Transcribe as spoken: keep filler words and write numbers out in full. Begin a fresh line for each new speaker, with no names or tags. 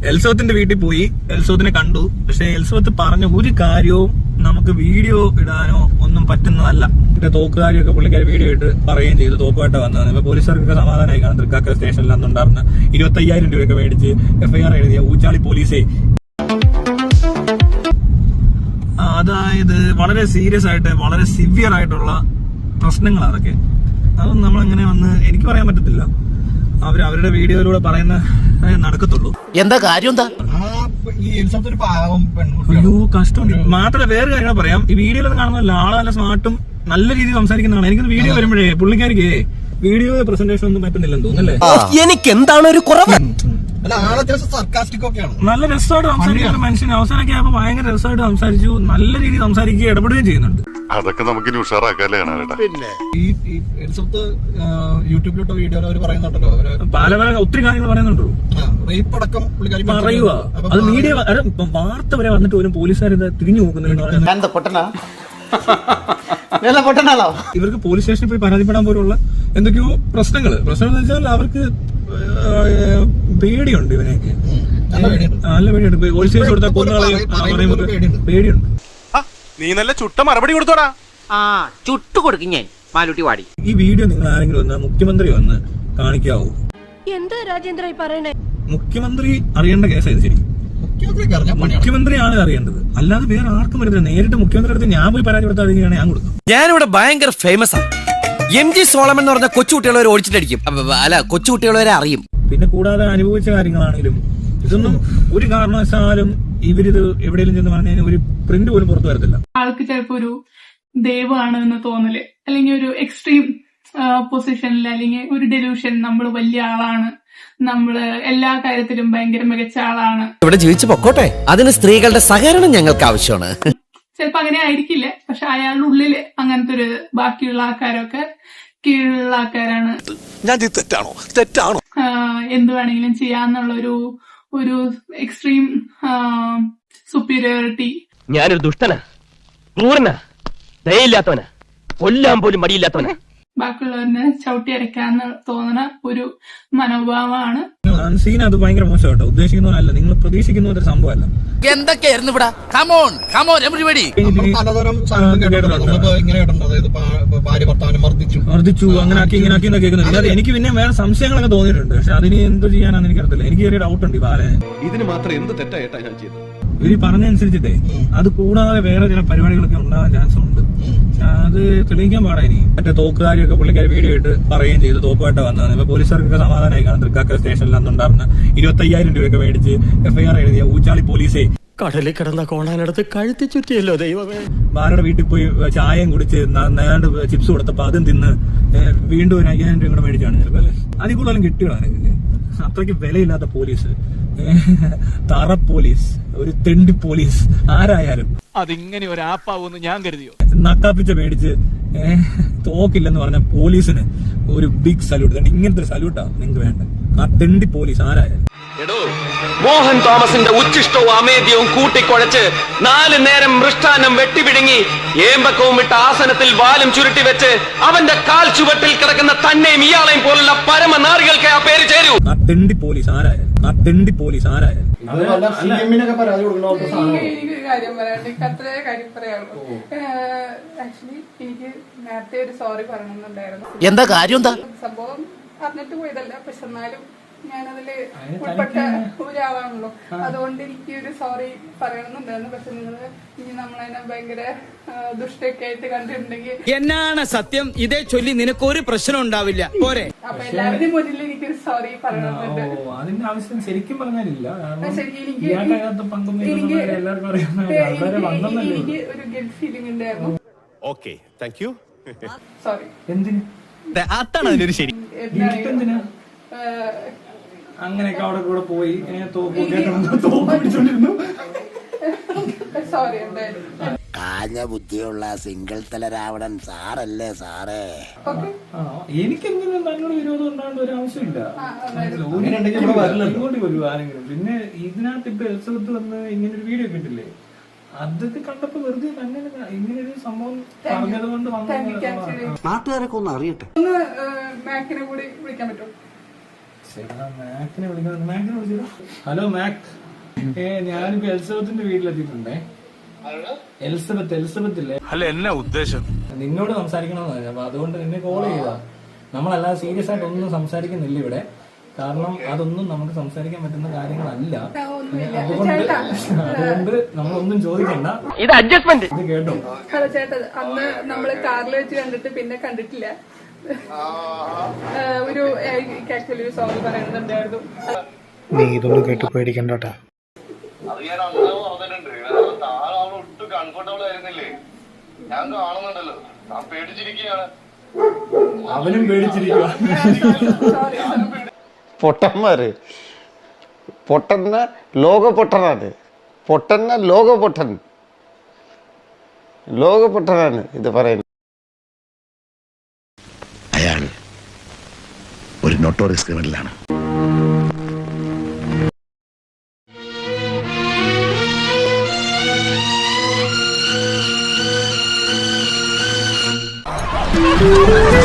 എൽസവത്തിന്റെ വീട്ടിൽ പോയി എൽസവത്തിനെ കണ്ടു. പക്ഷെ എൽസവത്ത് പറഞ്ഞ ഒരു കാര്യവും നമുക്ക് വീഡിയോ ഇടാനോ ഒന്നും പറ്റുന്നതല്ല. പിന്നെ തോക്കുകാരിയൊക്കെ പുള്ളിക്കാരി വീഡിയോ ഇട്ട് പറയുകയും ചെയ്തു തോക്കുമായിട്ട് വന്നതാണ്. ഇപ്പൊ പോലീസുകാർക്കൊക്കെ സമാധാനമായി കാണും. തൃക്കാക്കര സ്റ്റേഷനിൽ അന്നുണ്ടായിരുന്ന ഇരുപത്തി അയ്യായിരം രൂപയൊക്കെ മേടിച്ച് എഫ്ഐആർ എഴുതിയ ഊച്ചാളി പോലീസേ. അതായത് വളരെ സീരിയസ് ആയിട്ട് വളരെ സിവിയർ ആയിട്ടുള്ള പ്രശ്നങ്ങളാണ് അതൊക്കെ. അതൊന്നും നമ്മളെങ്ങനെ വന്ന് എനിക്ക് പറയാൻ പറ്റത്തില്ല. അവർ അവരുടെ വീഡിയോയിലൂടെ പറയുന്ന നടക്കത്തുള്ളൂ.
എന്താ കാര്യം? എന്താ
അയ്യോ കഷ്ടമുണ്ട്. മാത്രമല്ല വേറെ കാര്യങ്ങൾ പറയാം. ഈ വീഡിയോയിലൊന്നും കാണുന്നതല്ല, ആള് നല്ല സ്മാർട്ടും നല്ല രീതിയിൽ സംസാരിക്കുന്നതാണ്. എനിക്ക് വീഡിയോ വരുമ്പോഴേ പുള്ളിക്കാരിക്ക് വീഡിയോ പ്രസന്റേഷൻ ഒന്നും പറ്റുന്നില്ലെന്ന് തോന്നുന്നല്ലേ.
എനിക്ക് എന്താണ് ഒരു കുറവ്?
നല്ല രസമായിട്ട് സംസാരിക്കുന്ന മനുഷ്യന് അവസാനമൊക്കെ ആയപ്പോ ഭയങ്കര രസമായിട്ട് സംസാരിച്ചു. നല്ല രീതിയിൽ സംസാരിക്കുകയും ഇടപെടുകയും ചെയ്യുന്നുണ്ട്.
അതൊക്കെ നമുക്ക്
പിന്നെ ഈ യൂട്യൂബിലോട്ടോ വീഡിയോ അവർ പറയുന്നുണ്ടല്ലോ, പല പല ഒത്തിരി കാര്യങ്ങൾ പറയുന്നുണ്ടോ. റേപ്പ് അടക്കം പറയുക. അത് മീഡിയ വാർത്ത വരെ വന്നിട്ട് പോലും പോലീസുകാർ തിരിഞ്ഞു നോക്കുന്നുണ്ട്. ഇവർക്ക് പോലീസ് സ്റ്റേഷനിൽ പോയി പരാതിപ്പെടാൻ പോലുള്ള എന്തൊക്കെയോ പ്രശ്നങ്ങള് പ്രശ്നം എന്ന് വെച്ചാൽ അവർക്ക് പേടിയുണ്ട്. ഇവനെയൊക്കെ നല്ല പേടിയുണ്ട്. പോലീസ് കേസ് കൊടുത്താൽ കൊന്നുകളയും പേടിയുണ്ട്.
നീ നല്ല ചുട്ട മറുപടി കൊടുത്തോടാ.
ആ ചുട്ടു കൊടുക്കും ഞാൻ മാലൂട്ടി വാടി.
ഈ വീഡിയോ നിങ്ങൾ ആരെങ്കിലും ഒന്ന് മുഖ്യമന്ത്രി ഒന്ന് കാണിക്കാവൂ.
എന്താ രാജേന്ദ്ര പറയണേ?
മുഖ്യമന്ത്രി അറിയേണ്ട കേസായത് ശരി. മുഖ്യമന്ത്രിയാണ് അറിയേണ്ടത്, അല്ലാതെ വേറെ ആർക്കും വരുന്നില്ല. നേരിട്ട് മുഖ്യമന്ത്രി അടുത്ത് ഞാൻ പോയി പരാതി കൊടുത്താൽ ഞാൻ കൊടുക്കും.
ഞാനിവിടെ ഭയങ്കര ഫേമസ് ആണ്. എം ജി സോളമൻ എന്ന് പറഞ്ഞ കൊച്ചുകുട്ടികളെ ഓടിച്ചിട്ടടിക്കും. അല്ല കൊച്ചുകുട്ടികളെ അറിയും.
പിന്നെ കൂടാതെ അനുഭവിച്ച കാര്യങ്ങളാണെങ്കിലും ഇതൊന്നും ഒരു കാരണവശാലും ഇവരിത് എവിടെയെങ്കിലും ചെന്ന് പറഞ്ഞാൽ ഒരു പ്രിന്റ് പോലും പുറത്തു വരത്തില്ല.
ആൾക്ക് ചിലപ്പോ ഒരു ദൈവമാണ് എന്ന് തോന്നല്, അല്ലെങ്കിൽ ഒരു എക്സ്ട്രീം പൊസിഷനിൽ, അല്ലെങ്കിൽ ഒരു ഡെലൂഷൻ, നമ്മൾ വലിയ ആളാണ്, നമ്മള് എല്ലാ കാര്യത്തിലും ഭയങ്കര മികച്ച ആളാണ്,
ഇവിടെ ജീവിച്ചു പൊക്കോട്ടെ, അതിന് സ്ത്രീകളുടെ സഹകരണം ഞങ്ങൾക്ക് ആവശ്യമാണ്.
ചിലപ്പോ അങ്ങനെ ആയിരിക്കില്ല, പക്ഷെ അയാളുടെ ഉള്ളില് അങ്ങനത്തെ ഒരു ബാക്കിയുള്ള ആൾക്കാരൊക്കെ കീഴിലുള്ള ആൾക്കാരാണ്,
തെറ്റാണോ തെറ്റാണോ
എന്ത് വേണമെങ്കിലും ചെയ്യാന്നുള്ള ഒരു ഒരു എക്സ്ട്രീം സുപ്പീരിയോറിറ്റി.
ഞാനൊരു ദുഷ്ടനാ, ക്രൂരനാ, ദയയില്ലാത്തവനാ, കൊല്ലാൻ പോലും മടിയില്ലാത്തവനാ,
ബാക്കിയുള്ളവരെ ചവിട്ടി അരയ്ക്കാന്ന് തോന്നുന്ന ഒരു മനോഭാവമാണ്.
സീൻ അത് ഭയങ്കര മോശമാട്ടോ. ഉദ്ദേശിക്കുന്നതല്ല, നിങ്ങൾ പ്രതീക്ഷിക്കുന്ന ഒരു സംഭവമല്ല.
എന്തൊക്കെയായിരുന്നു ഇവിടെ? Come on come on everybody.
മർദ്ദിച്ചു, അങ്ങനെ ആക്കി ഇങ്ങനെ ആക്കി എന്ന് കേൾക്കുന്നുണ്ട്. എനിക്ക് പിന്നെ വേറെ സംശയങ്ങളൊക്കെ തോന്നിയിട്ടുണ്ട്. പക്ഷെ അതിന് എന്ത് ചെയ്യാനാന്ന് എനിക്കറിയില്ല. എനിക്ക് ചെറിയ ഡൗട്ട് ഉണ്ട്. ബാലന്
ഇതിന് മാത്രം എന്ത് തെറ്റായിട്ടാ ഞാൻ ചെയ്തത്?
ഇവര് പറഞ്ഞനുസരിച്ചിട്ടേ അത് കൂടാതെ വേറെ ചില പരിപാടികളൊക്കെ ഉണ്ടാകാൻ ചാൻസ് ഉണ്ട്. അത് തെളിയിക്കാൻ പാടാ. ഇനി മറ്റേ തോക്കുകാരിയൊക്കെ പുള്ളിക്കാരി വീഡിയോ ഇട്ട് പറയുകയും ചെയ്തു തോക്കുമായിട്ട് വന്നതാണ്. ഇപ്പൊ പോലീസുകാർക്കൊക്കെ സമാധാനമായി കാണും. തൃക്കാക്കര സ്റ്റേഷനിൽ അന്നുണ്ടായിരുന്ന ഇരുപത്തി അയ്യായിരം രൂപയൊക്കെ മേടിച്ച് എഫ്ഐആർ എഴുതിയ ഊച്ചാളി പോലീസേ.
കടലിൽ കിടന്ന കോണാനടുത്ത് കഴുത്തി ചുറ്റിയല്ലോ ദൈവമേ.
ബാലയുടെ വീട്ടിൽ പോയി ചായയും കുടിച്ച് നേരാണ്ട് ചിപ്സ് കൊടുത്തപ്പോ അതും തിന്ന് വീണ്ടും ഒരു അയ്യായിരം രൂപ കൂടെ മേടിച്ചാണ് ചിലപ്പോ. അതിൽ കൂടുതലും കിട്ടിയോ എനിക്ക്. അത്രയ്ക്ക് വിലയില്ലാത്ത പോലീസ്, തറ പോലീസ്, ഒരു തെണ്ടി പോലീസ് ആരായാലും
അതിങ്ങനെ ഒരു ആപ്പാവൂന്ന് ഞാൻ കരുതിയോ?
നക്കാപ്പിച്ച മേടിച്ച് തോക്കില്ലെന്ന് പറഞ്ഞ പോലീസിന് ഒരു ബിഗ് സല്യൂട്ട്. ഇങ്ങനത്തെ ഒരു സല്യൂട്ടാ നിങ്ങൾക്ക് വേണ്ട. ആ തെണ്ടി പോലീസ് ആരായാലും.
മോഹൻ തോമസിന്റെ ഉച്ചിഷ്ടവും അമേദ്യവും കൂട്ടിക്കുഴച്ച് നാല് നേരം മൃഷ്ടാനം വെട്ടിപിടുങ്ങി ഏമ്പക്കവും വിട്ട ആസനത്തിൽ വാലും ചുരുട്ടി വെച്ച് അവന്റെ കാൽ ചുവട്ടിൽ കിടക്കുന്ന തന്നെയും ഇയാളെയും പോലുള്ള പരമനാറികൾക്ക് ആ പേര് ചേരൂ.
ആ തെണ്ടി പോലീസ് ആരായാലും ആ തെണ്ടി പോലീസ് ആരായാലും
എനിക്കൊരു കാര്യം പറയാനുണ്ട്. അത്രേ കാര്യം പറയാനുള്ളൂ. ആക്ച്വലി എനിക്ക് നേരത്തെ ഒരു സോറി പറയണമെന്നുണ്ടായിരുന്നു.
എന്താ കാര്യം? എന്താ
സംഭവം അറിഞ്ഞിട്ട് പോയതല്ല, പക്ഷെ എന്നാലും ഞാനതില് ഉൾപ്പെട്ട ഒരാളാണല്ലോ. അതുകൊണ്ട് എനിക്ക് ഒരു സോറി പറയണമെന്നുണ്ടായിരുന്നു. പക്ഷെ നിങ്ങള് ഇനി നമ്മളതിനെ ഭയങ്കര ദുഷ്ടൊക്കെ ആയിട്ട് കണ്ടിട്ടുണ്ടെങ്കിൽ
എന്നാണ് സത്യം. ഇതേ ചൊല്ലി നിനക്കൊരു പ്രശ്നം ഉണ്ടാവില്ല പോരെ.
അപ്പൊ എല്ലാവരുടെയും മുന്നിൽ എനിക്കൊരു സോറി പറയണമെന്നുണ്ട്.
അതിന്റെ ആവശ്യം ശരിക്കും പറഞ്ഞാലില്ല.
ശരിക്കും എനിക്ക് എനിക്ക് ഒരു ഗിൽറ്റ് ഫീലിംഗ് ഉണ്ടായിരുന്നു.
Okay, thank you.
സോറി.
എന്തിന്?
അതാണ് അതിനൊരു ശരി.
എന്തിനാ അങ്ങനെയൊക്കെ അവിടെ കൂടെ പോയി തോക്ക് തോക്ക് പിടിച്ചോണ്ടിരുന്നു.
സോറി. എന്തായാലും
കാഞ്ഞ ബുദ്ധിയുള്ള സിംഗിൾ തല രാവണൻ സാറല്ലേ സാറേ.
എനിക്കെന്തിനും തന്നോട് വിരോധം ഉണ്ടാകേണ്ട ഒരു ആവശ്യമില്ല. ഇങ്ങോട്ട് വരൂ ആരെങ്കിലും. പിന്നെ ഇതിനകത്ത് ഇപ്പൊ എൽസത്ത് വന്ന് ഇങ്ങനെ ഒരു വീഡിയോ കിട്ടില്ലേ, അതൊക്കെ കണ്ടപ്പോ വെറുതെ തന്നെ ഇങ്ങനെ ഒരു സംഭവം പറഞ്ഞത് കൊണ്ട് വന്ന
നാട്ടുകാരൊക്കെ ഒന്ന് അറിയട്ടെ.
ഒന്ന് മാക്കിനെ കൂടി വിളിക്കാൻ പറ്റുമോ?
മാക്കിനെ വിളിക്കണം. മാക്കിനെ വിളിച്ചോ. ഹലോ മാക്, ഏ ഞാനിപ്പോ എലിസബത്തിന്റെ വീട്ടിലെത്തിയിട്ടുണ്ടേ. എലിസബത്ത് എലിസബത്ത് ഇല്ലേ?
അല്ല എന്നാ ഉദ്ദേശം?
നിന്നോട് സംസാരിക്കണമെന്ന് പറഞ്ഞു. അപ്പൊ അതുകൊണ്ട് നിന്നെ കോൾ ചെയ്താ. നമ്മളല്ലാതെ സീരിയസ് ആയിട്ട് ഒന്നും സംസാരിക്കുന്നില്ല ഇവിടെ. കാരണം അതൊന്നും നമുക്ക് സംസാരിക്കാൻ പറ്റുന്ന കാര്യങ്ങളല്ല. അതുകൊണ്ട് അതുകൊണ്ട് നമ്മളൊന്നും ചോദിക്കണ്ട.
ഇത് അഡ്ജസ്റ്റ്മെന്റ്.
ഇത് കേട്ടോ.
ഹലോ ചേട്ടാ, അന്ന് നമ്മള് കാറിൽ വെച്ച് കണ്ടിട്ട് പിന്നെ കണ്ടിട്ടില്ല. ഒരു ആക്ച്വലി ഒരു സോങ് പറയുന്നുണ്ടായിരുന്നു.
നീ ഇതൊന്നും കേട്ട് പേടിക്കണ്ടോട്ടാ.
അത് ഞാൻ അന്ന് പറഞ്ഞിട്ടുണ്ട്. താൻ അവിടെ ഒട്ടും കംഫർട്ടബിൾ ആയിരുന്നില്ലേ? ഞാൻ കാണുന്നുണ്ടല്ലോ, താൻ പേടിച്ചിരിക്കുകയാണ്.
അവനും പേടിച്ചിരിക്കുക.
പൊട്ടന്മാര് പൊട്ടന്ന ലോക പൊട്ടനാണ്. പൊട്ടന്ന ലോക പൊട്ടൻ ലോക പൊട്ടനാണ് ഇത് പറയുന്നത്.
അയാൾ ഒരു നോട്ടോറിയസ് ക്രിമിനലാണ്.
ആ